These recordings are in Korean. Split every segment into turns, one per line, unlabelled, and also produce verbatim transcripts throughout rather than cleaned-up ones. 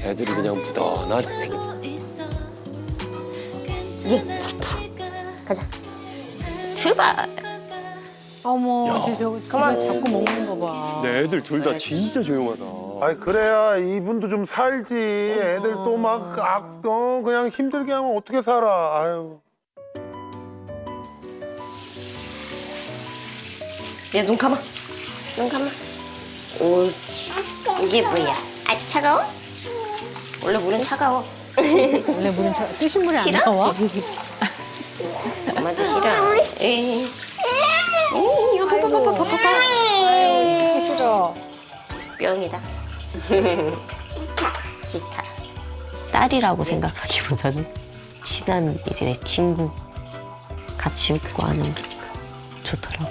애들이 그냥 무던하네.
예, 가자. 출발.
어머,
야.
쟤 저거
그만.
지가 자꾸 먹는 거 봐.
네, 애들 둘 다 진짜 조용하다.
아이 그래야 이분도 좀 살지. 애들 또 막 악, 어, 그냥 힘들게 하면 어떻게 살아. 아유.
얘 눈 감아. 눈 감아. 옳지. 이게 뭐야? 아 차가워? 원래 물은 차가워.
원래 물은 차, 뜨신 물이 안
싫어?
나와?
엄마도 싫어. 에이. 에이, 이거 봐봐, 봐봐, 봐봐, 봐봐.
싫어.
뿅이다. 지타. 딸이라고 생각하기보다는 친한 이제 내 친구 같이 웃고 하는 게 좋더라고.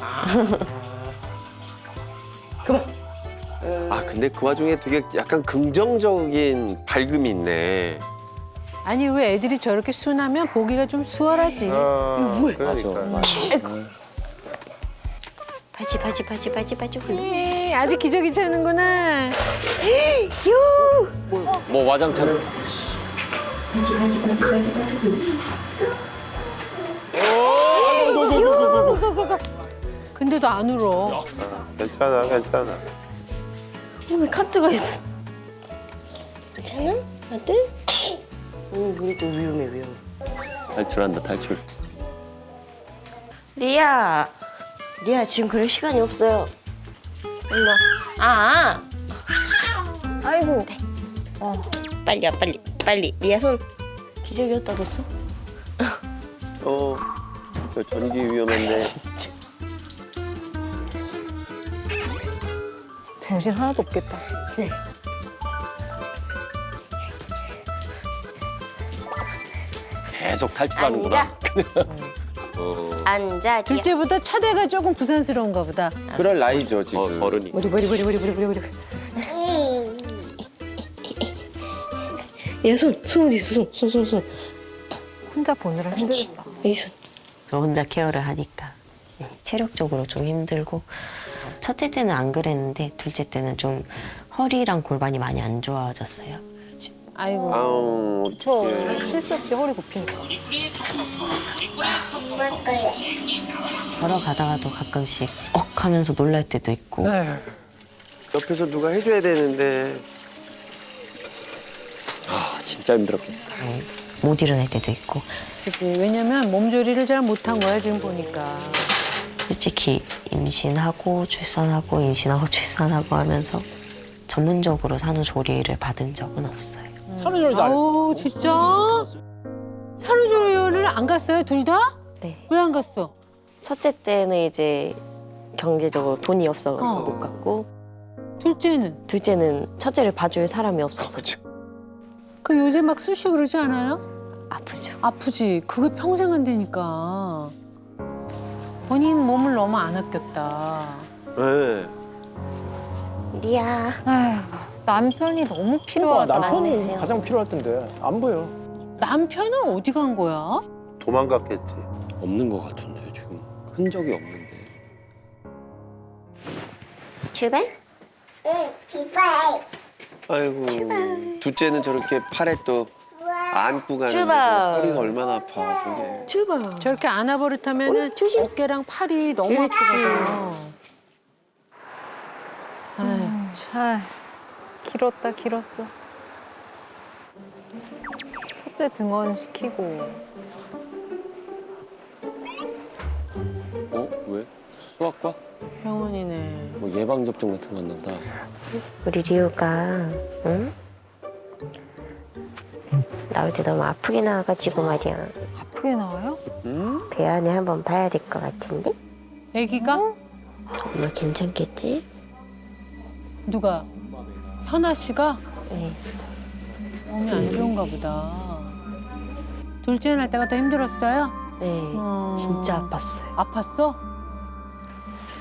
그만.
아, 근데 그 와중에 되게 약간 긍정적인 밝음이 있네.
아니, 우리 애들이 저렇게 순하면 보기가 좀 수월하지.
어, 그러니까.
바지, 바지, 바지, 바지, 바지 훌륭.
에이, 아직 기저귀 차는구나.
뭐 와장창.
근데도 안 울어.
괜찮아, 괜찮아.
왜 카트가 있어? 괜찮아? 아들? 응, 우리 또 위험해, 위험해.
탈출한다, 탈출.
리아. 리아, 지금 그럴 시간이 없어요. 일로 와. 아. 아이고. 어. 빨리 와, 빨리. 빨리. 리아 손. 기저귀 어디다 뒀어?
어, 저 전기 위험한데.
정신 하나도 없겠다.
네.
계속 탈출하는구나.
앉아.
어,
앉아, 리아.
둘째보다 첫애가 조금 부산스러운가 보다.
그럴 나이죠 지금.
어, 어른이.
머리, 머리, 머리, 머리, 머리, 머리, 머리. 리아 손. 손 어디 있어, 손. 손, 손, 손.
혼자 보느라 힘들다.
이 손. 저 혼자 케어를 하니까 네, 체력적으로 좀 힘들고 첫째 때는 안 그랬는데 둘째 때는 좀 허리랑 골반이 많이 안 좋아졌어요.
아이고.
아우,
저 실수 없이 허리 굽히니까.
걸어가다가도 가끔씩 억 하면서 놀랄 때도 있고.
옆에서 누가 해줘야 되는데. 아, 진짜 힘들었겠다.
네, 못 일어날 때도 있고.
그치. 왜냐면 몸조리를 잘 못한 거야, 지금 보니까.
솔직히 임신하고 출산하고 임신하고 출산하고 하면서 전문적으로 산후조리를 받은 적은 없어요.
산후조리도 안 했어.
아우, 진짜? 산후조리를 안 갔어요, 둘 다?
네.
왜 안 갔어?
첫째 때는 이제 경제적으로 돈이 없어서
어.
못 갔고
둘째는?
둘째는 첫째를 봐줄 사람이 없어서
그 요새 막 쑤시고 그러지 않아요?
아프죠.
아프지. 그게 평생 한다니까. 본인 몸을 너무 안 아꼈다.
네.
리아.
남편이 너무
그러니까
안
남편이
했어요.
가장 필요할 텐데 안 보여.
남편은 어디 간 거야?
도망갔겠지.
없는 것 같은데, 지금. 흔적이 없는데.
출발?
응, 기발.
아이고, 둘째는 저렇게 팔에 또 안고 가는데
출발.
저 허리가 얼마나 아파, 저게.
출발.
저렇게 안아버릇하면
조심.
어깨랑 팔이 너무
그렇지.
아프거든. 아유,
참 길었다 길었어. 첫째 등원 시키고
어? 왜? 수학과?
병원이네.
뭐 예방접종 같은 거 했나 보다.
우리 리우가 응? 나올 때 너무 아프게 나와가지고 말이야.
아프게 나와요?
응?
배 안에 한번 봐야 될 것 같은데?
아기가?
엄마 괜찮겠지?
누가? 현아 씨가?
네.
몸이 안 좋은가 보다. 둘째 날 때가 더 힘들었어요?
네.
어.
진짜 아팠어요.
아팠어?